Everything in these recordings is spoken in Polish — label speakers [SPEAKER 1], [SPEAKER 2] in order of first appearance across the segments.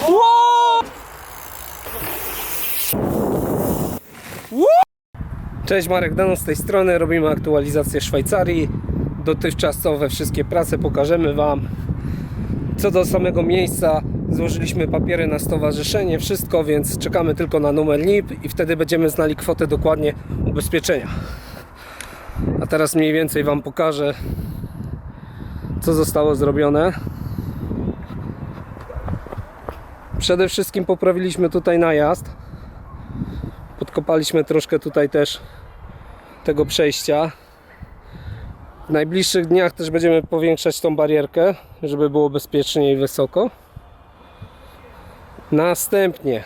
[SPEAKER 1] Cześć, Marek Danon z tej strony. Robimy aktualizację Szwajcarii. Dotychczasowe wszystkie prace pokażemy Wam. Co do samego miejsca, złożyliśmy papiery na stowarzyszenie, wszystko, więc czekamy tylko na numer NIP i wtedy będziemy znali kwotę dokładnie ubezpieczenia. A teraz mniej więcej Wam pokażę, co zostało zrobione. Przede wszystkim poprawiliśmy tutaj najazd. Podkopaliśmy troszkę tutaj też tego przejścia. W najbliższych dniach też będziemy powiększać tą barierkę, żeby było bezpiecznie i wysoko. Następnie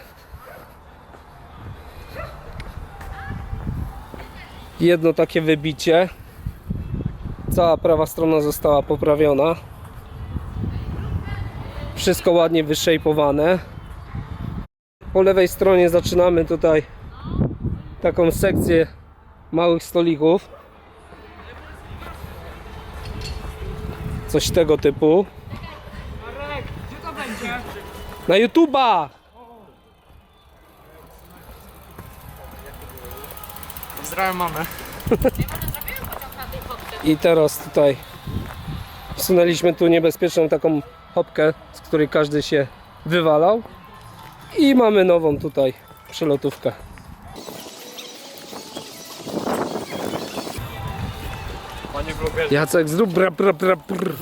[SPEAKER 1] jedno takie wybicie. Cała prawa strona została poprawiona. Wszystko ładnie wyszejpowane. Po lewej stronie zaczynamy tutaj taką sekcję małych stolików. Coś tego typu.
[SPEAKER 2] Marek, gdzie to będzie?
[SPEAKER 1] Na YouTube'a!
[SPEAKER 2] Pozdrawiam mamę.
[SPEAKER 1] I teraz tutaj wsunęliśmy tu niebezpieczną taką hopkę, z której każdy się wywalał. I mamy nową tutaj przelotówkę.
[SPEAKER 2] Panie vlogerze.
[SPEAKER 1] Jacek, zrób bra.
[SPEAKER 2] Dobra, zrobię.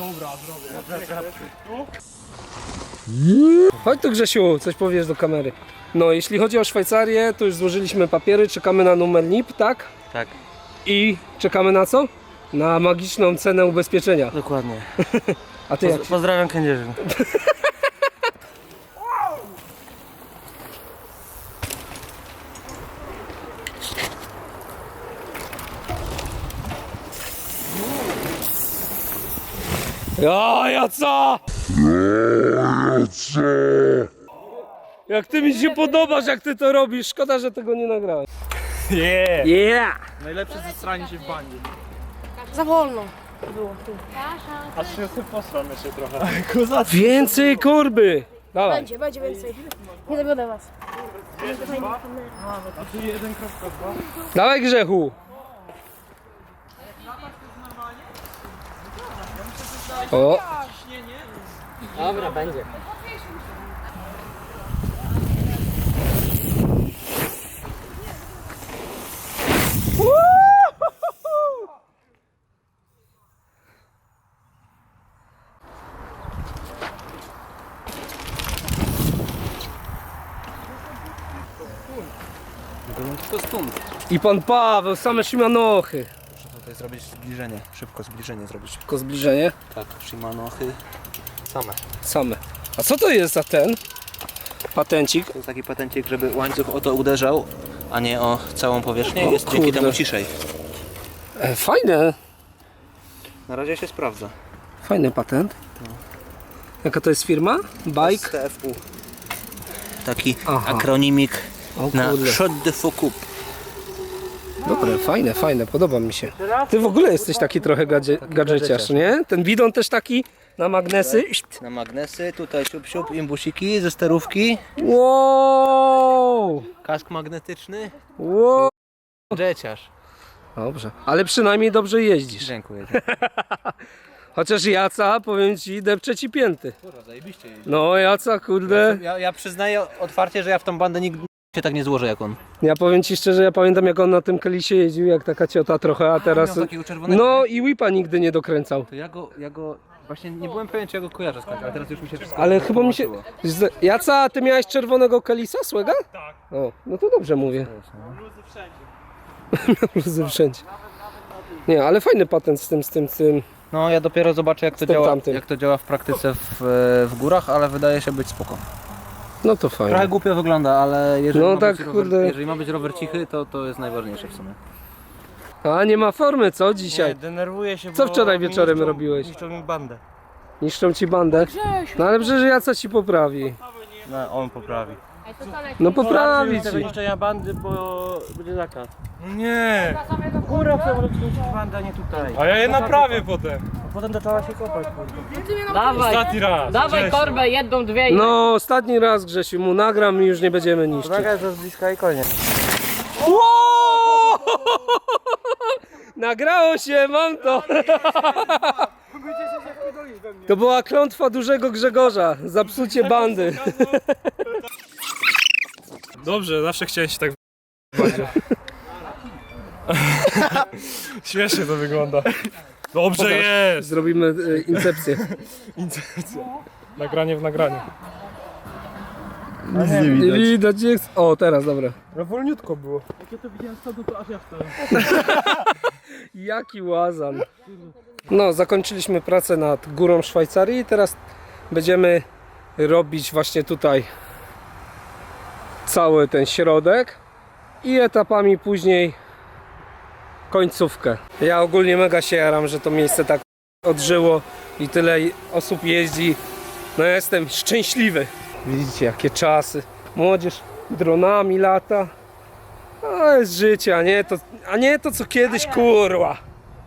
[SPEAKER 1] Chodź tu, Grzesiu, coś powiesz do kamery. No, jeśli chodzi o Szwajcarię, to już złożyliśmy papiery, czekamy na numer NIP, tak?
[SPEAKER 3] Tak,
[SPEAKER 1] I czekamy na co? Na magiczną cenę ubezpieczenia.
[SPEAKER 3] dokładnie.
[SPEAKER 1] A ty jak?
[SPEAKER 3] Pozdrawiam Kędzierzyn.
[SPEAKER 1] Jaca! Jak ty mi się podobasz, jak ty to robisz. Szkoda, że tego nie nagrałem.
[SPEAKER 2] Yeah.
[SPEAKER 1] Yeah!
[SPEAKER 2] Najlepsze zestranie się w bani.
[SPEAKER 4] Za wolno było tu.
[SPEAKER 2] Aż się sobie posram jeszcze trochę. Kozac.
[SPEAKER 1] Więcej kurby! Dawaj.
[SPEAKER 4] Będzie więcej. Nie dogada was.
[SPEAKER 2] A tu 1.2.
[SPEAKER 1] Dawaj, Grzechu. O!
[SPEAKER 3] Dobra, będzie. To stąd.
[SPEAKER 1] I pan Paweł, same Shimanochy.
[SPEAKER 3] Muszę tutaj zrobić zbliżenie, szybko zbliżenie zrobić.
[SPEAKER 1] Tylko zbliżenie.
[SPEAKER 3] Tak, Shimanochy same.
[SPEAKER 1] Same. A co to jest za ten patencik?
[SPEAKER 3] To jest taki patencik, żeby łańcuch o to uderzał, a nie o całą powierzchnię.
[SPEAKER 1] O
[SPEAKER 3] Jest dzięki
[SPEAKER 1] kurde.
[SPEAKER 3] temu ciszej.
[SPEAKER 1] Fajne.
[SPEAKER 3] Na razie się sprawdza.
[SPEAKER 1] Fajny patent. Jaka to jest firma? Bike?
[SPEAKER 3] TFU. Taki
[SPEAKER 1] Aha.
[SPEAKER 3] akronimik
[SPEAKER 1] O
[SPEAKER 3] na
[SPEAKER 1] kurde.
[SPEAKER 3] Shot de Foucault.
[SPEAKER 1] Dobre, fajne, podoba mi się. Ty w ogóle jesteś taki trochę gadżeciarz, nie? Ten bidon też taki na magnesy.
[SPEAKER 3] Na magnesy, tutaj siup, imbusiki ze sterówki.
[SPEAKER 1] Wow!
[SPEAKER 3] Kask magnetyczny.
[SPEAKER 1] Wow!
[SPEAKER 3] Gadżeciarz.
[SPEAKER 1] Dobrze, ale przynajmniej dobrze jeździsz.
[SPEAKER 3] Dziękuję.
[SPEAKER 1] Chociaż Jaca, powiem ci, depcze ci pięty.
[SPEAKER 3] Kurwa, zajebiście jeździ.
[SPEAKER 1] No Jaca, kurde.
[SPEAKER 3] Ja przyznaję otwarcie, że ja w tą bandę nigdy się tak nie złożę jak on.
[SPEAKER 1] Ja powiem ci szczerze, ja pamiętam jak on na tym Kelisie jeździł, jak taka ciota trochę, a teraz...
[SPEAKER 3] miał takiego czerwonego.
[SPEAKER 1] No i whipa nigdy nie dokręcał.
[SPEAKER 3] To ja go właśnie nie byłem pewien, czy ja go kojarzę skądś, ale teraz już mi się wszystko
[SPEAKER 1] Ale chyba mi się...
[SPEAKER 3] połączyło.
[SPEAKER 1] Jaca, ty miałeś czerwonego Kelisa, Słega? Tak. O, no to dobrze mówię.
[SPEAKER 2] Luzy wszędzie.
[SPEAKER 1] Luzy wszędzie. Nie, ale fajny patent z tym.
[SPEAKER 3] No ja dopiero zobaczę jak to
[SPEAKER 1] Z tym
[SPEAKER 3] działa,
[SPEAKER 1] tamtym.
[SPEAKER 3] jak to działa w praktyce w górach, ale wydaje się być spoko.
[SPEAKER 1] No to fajnie.
[SPEAKER 3] Trochę głupio wygląda, ale jeżeli,
[SPEAKER 1] No
[SPEAKER 3] ma,
[SPEAKER 1] tak,
[SPEAKER 3] być
[SPEAKER 1] kurde.
[SPEAKER 3] rower, jeżeli ma być rower cichy, to jest najważniejsze w sumie.
[SPEAKER 1] A nie ma formy, co dzisiaj?
[SPEAKER 2] Denerwuję się,
[SPEAKER 1] Co
[SPEAKER 2] bo
[SPEAKER 1] wczoraj
[SPEAKER 2] mi
[SPEAKER 1] wieczorem
[SPEAKER 2] niszczą-
[SPEAKER 1] robiłeś?
[SPEAKER 2] Niszczą mi bandę.
[SPEAKER 1] Niszczą ci bandę? No ale przecież Jaca ci poprawi.
[SPEAKER 2] No on poprawi.
[SPEAKER 1] No poprawić
[SPEAKER 2] Tego
[SPEAKER 1] ich.
[SPEAKER 2] niszczenia bandy, bo będzie zakaz. Nie! Góra chcę wrócić bandę, nie tutaj.
[SPEAKER 5] A ja je naprawię potem.
[SPEAKER 2] A potem zaczęła się kopać, kurde.
[SPEAKER 6] Dawaj,
[SPEAKER 5] Ostatni raz.
[SPEAKER 6] dawaj
[SPEAKER 5] Cześć.
[SPEAKER 6] torbę, jedną, dwie i...
[SPEAKER 1] No ostatni raz Grzesiu mu nagram i już nie będziemy niszczyć.
[SPEAKER 2] Uwaga, jest z bliska i koniec.
[SPEAKER 1] Wow! Nagrało się, mam to! To była klątwa dużego Grzegorza za psucie bandy.
[SPEAKER 5] Dobrze, zawsze chciałem się tak Śmiesznie to wygląda. Dobrze jest!
[SPEAKER 1] Zrobimy incepcję.
[SPEAKER 5] Nagranie w nagraniu.
[SPEAKER 1] Nic nie widać. O, teraz, dobra.
[SPEAKER 5] No wolniutko było.
[SPEAKER 1] Jaki łazan. No, zakończyliśmy pracę nad górą Szwajcarii i teraz będziemy robić właśnie tutaj cały ten środek i etapami później końcówkę. Ja ogólnie mega się jaram, że to miejsce tak odżyło i tyle osób jeździ. No ja jestem szczęśliwy. Widzicie jakie czasy. Młodzież dronami lata. To jest życie, a nie to co kiedyś, kurwa.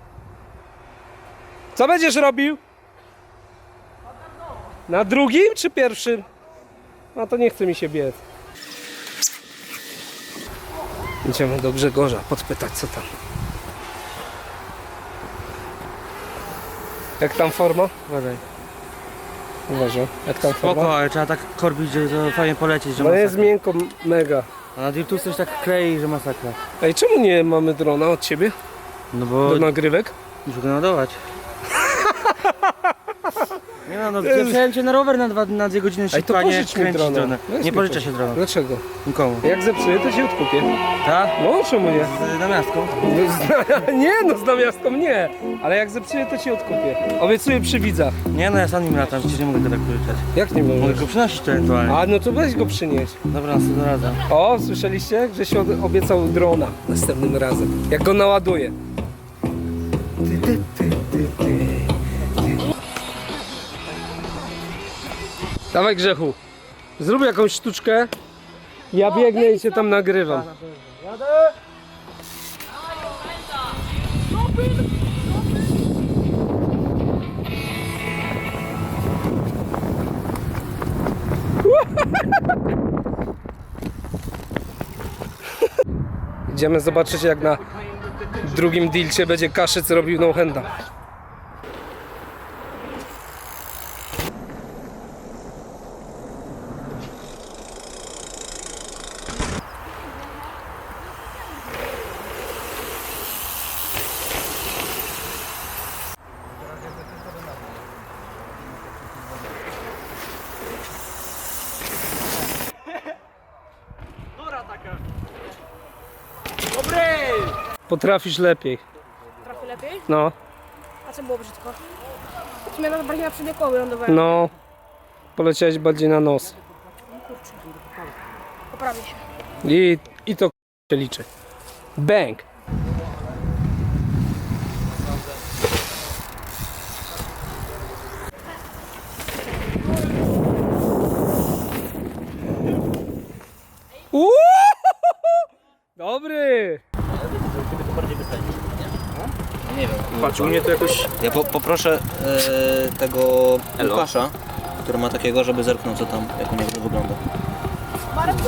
[SPEAKER 1] Co będziesz robił? Na drugim czy pierwszym? No to nie chce mi się biec. Idziemy do Grzegorza podpytać co tam. Jak tam forma?
[SPEAKER 2] Uważaj.
[SPEAKER 1] Uważam. Jak tam
[SPEAKER 2] Spoko,
[SPEAKER 1] forma?
[SPEAKER 2] ale trzeba tak korbić, że to fajnie polecieć, że
[SPEAKER 1] No
[SPEAKER 2] masakra.
[SPEAKER 1] jest miękko, mega.
[SPEAKER 2] A na Dirtu coś tak klei, że masakra.
[SPEAKER 1] Ej, czemu nie mamy drona od ciebie?
[SPEAKER 2] No bo
[SPEAKER 1] Do nagrywek?
[SPEAKER 2] muszę go naładować. Nie no, wziąłem cię na rower na 2 godziny
[SPEAKER 1] Ej, to
[SPEAKER 2] szybko, a nie
[SPEAKER 1] pożycz mi
[SPEAKER 2] kręcić
[SPEAKER 1] drona.
[SPEAKER 2] drona.
[SPEAKER 1] Weź
[SPEAKER 2] Nie
[SPEAKER 1] mi
[SPEAKER 2] pożycza
[SPEAKER 1] pożycz.
[SPEAKER 2] się drona.
[SPEAKER 1] Dlaczego?
[SPEAKER 2] Nikomu.
[SPEAKER 1] Jak zepsuję, to się odkupię.
[SPEAKER 2] Tak?
[SPEAKER 1] No, czemu nie?
[SPEAKER 2] Z namiastką.
[SPEAKER 1] Nie, no z namiastką nie. Ale jak zepsuję, to ci odkupię. Obiecuję przy widzach.
[SPEAKER 2] Nie no, ja sam nim latam, przecież nie mogę go tak pożyczać.
[SPEAKER 1] Jak nie
[SPEAKER 2] Mogę
[SPEAKER 1] możesz?
[SPEAKER 2] go przynosić to ewentualnie.
[SPEAKER 1] A, no to weź go przynieść.
[SPEAKER 2] Dobra, następnym razem.
[SPEAKER 1] O, słyszeliście? Że się obiecał drona następnym razem. Jak go naładuję. Dawaj Grzechu. Zrób jakąś sztuczkę. Ja biegnę i cię tam nagrywam. Idziemy zobaczyć jak na drugim dilcie będzie Kaszyc robił no-handa. Potrafisz lepiej.
[SPEAKER 4] Trochę lepiej?
[SPEAKER 1] No,
[SPEAKER 4] A co było brzydko? Zmiana bardziej na przednie koły lądowałem.
[SPEAKER 1] no. Poleciałeś bardziej na nos.
[SPEAKER 4] Poprawię się.
[SPEAKER 1] I to się liczy. Bang! Uuuu! Dobry!
[SPEAKER 3] Nie wiem.
[SPEAKER 5] Patrz, u mnie to jakoś...
[SPEAKER 3] Ja poproszę tego Łukasza, który ma takiego, żeby zerknął co tam, jak u niego to wygląda.
[SPEAKER 4] Marku!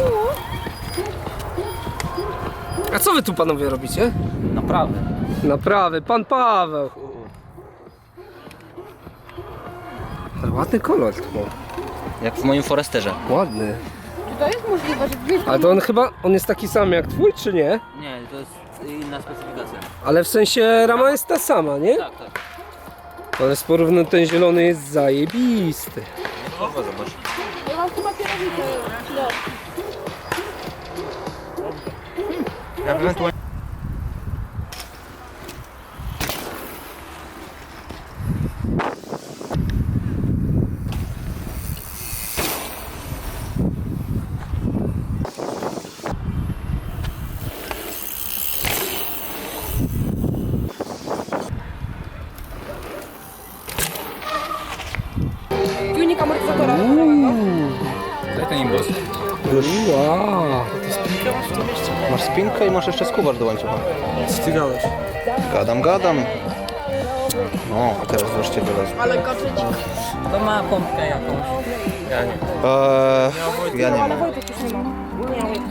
[SPEAKER 1] A co wy tu panowie robicie?
[SPEAKER 3] Naprawdę.
[SPEAKER 1] Naprawy, pan Paweł. Ale ładny kolor to był.
[SPEAKER 3] Jak w moim Foresterze.
[SPEAKER 1] Ładny.
[SPEAKER 4] Czy to jest możliwe, że gdzieś
[SPEAKER 1] Ale to on jest taki sam jak twój, czy nie?
[SPEAKER 3] Nie, to jest inna specyfikacja.
[SPEAKER 1] Ale w sensie rama jest ta sama, nie?
[SPEAKER 3] Tak, tak.
[SPEAKER 1] Ale z porównu ten zielony jest zajebisty.
[SPEAKER 3] Kurwa, zobacz.
[SPEAKER 4] ja mam chyba kierownicę. No.
[SPEAKER 2] Ja ewentualnie...
[SPEAKER 4] Tuning amortyzatora.
[SPEAKER 1] Daj ten imbus. Wow.
[SPEAKER 3] Masz spinkę i masz jeszcze skubacz do łańcucha.
[SPEAKER 5] Co ty gadasz?
[SPEAKER 3] Gadam. No, a teraz wreszcie wylazł.
[SPEAKER 4] Ale kotlecik.
[SPEAKER 2] To ma pompkę jakąś.
[SPEAKER 3] Ja nie mam.
[SPEAKER 4] Wojtek już nie ma. Nie ma Wojtka.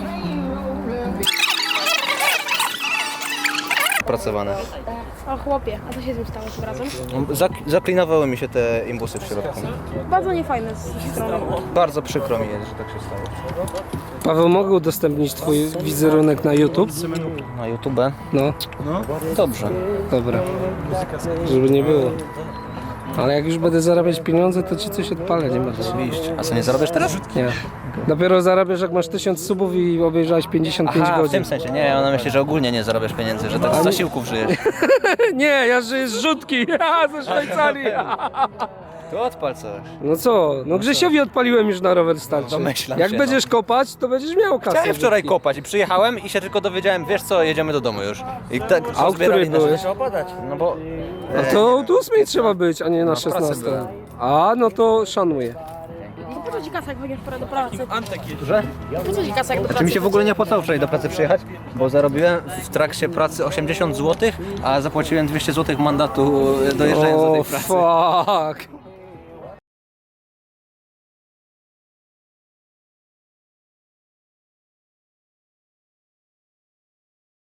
[SPEAKER 3] Opracowane.
[SPEAKER 4] O chłopie, a co się z nim stało tym razem?
[SPEAKER 3] Zaklinowały mi się te imbusy w środku.
[SPEAKER 4] Bardzo niefajne z tej strony.
[SPEAKER 3] Bardzo przykro mi jest, że tak się stało.
[SPEAKER 1] Paweł, mogę udostępnić twój wizerunek na YouTube?
[SPEAKER 3] Na YouTube?
[SPEAKER 1] No,
[SPEAKER 3] Dobrze.
[SPEAKER 1] dobra. Żeby nie było. Ale jak już będę zarabiać pieniądze, to ci coś odpalę, nie ma co.
[SPEAKER 3] Oczywiście. A co, nie zarabiasz teraz?
[SPEAKER 1] Nie. Dopiero zarabiasz, jak masz 1000 subów i obejrzałeś 55
[SPEAKER 3] Aha, w
[SPEAKER 1] godzin.
[SPEAKER 3] tym sensie. Nie, ona myśli, że ogólnie nie zarabiasz pieniędzy, że tak z zasiłków żyjesz.
[SPEAKER 1] Nie, ja żyję z rzutki, ze Szwajcarii.
[SPEAKER 3] To odpal coś.
[SPEAKER 1] No co, no Grzesiowi odpaliłem już na rower starczy.
[SPEAKER 3] Domyślam
[SPEAKER 1] Jak
[SPEAKER 3] się,
[SPEAKER 1] będziesz kopać, to będziesz miał kasę.
[SPEAKER 3] Chciałem wczoraj
[SPEAKER 1] rzutki.
[SPEAKER 3] kopać i przyjechałem i się tylko dowiedziałem, wiesz co, jedziemy do domu już. I tak
[SPEAKER 1] A o której byłeś?
[SPEAKER 2] Trzeba podać.
[SPEAKER 3] No bo...
[SPEAKER 1] No to o 8 trzeba być, a nie na
[SPEAKER 3] pracy
[SPEAKER 1] 16.
[SPEAKER 3] byłem.
[SPEAKER 1] A, no to szanuję.
[SPEAKER 4] No po co ci kasa, jak będziesz pora do pracy?
[SPEAKER 3] Że?
[SPEAKER 4] Po co ci kasa, jak do pracy?
[SPEAKER 3] Czy mi się w ogóle nie opłacało wczoraj do pracy przyjechać? Bo zarobiłem w trakcie pracy 80 zł, a zapłaciłem 200 zł mandatu dojeżdżając do tej
[SPEAKER 1] O,
[SPEAKER 3] pracy.
[SPEAKER 1] fuck.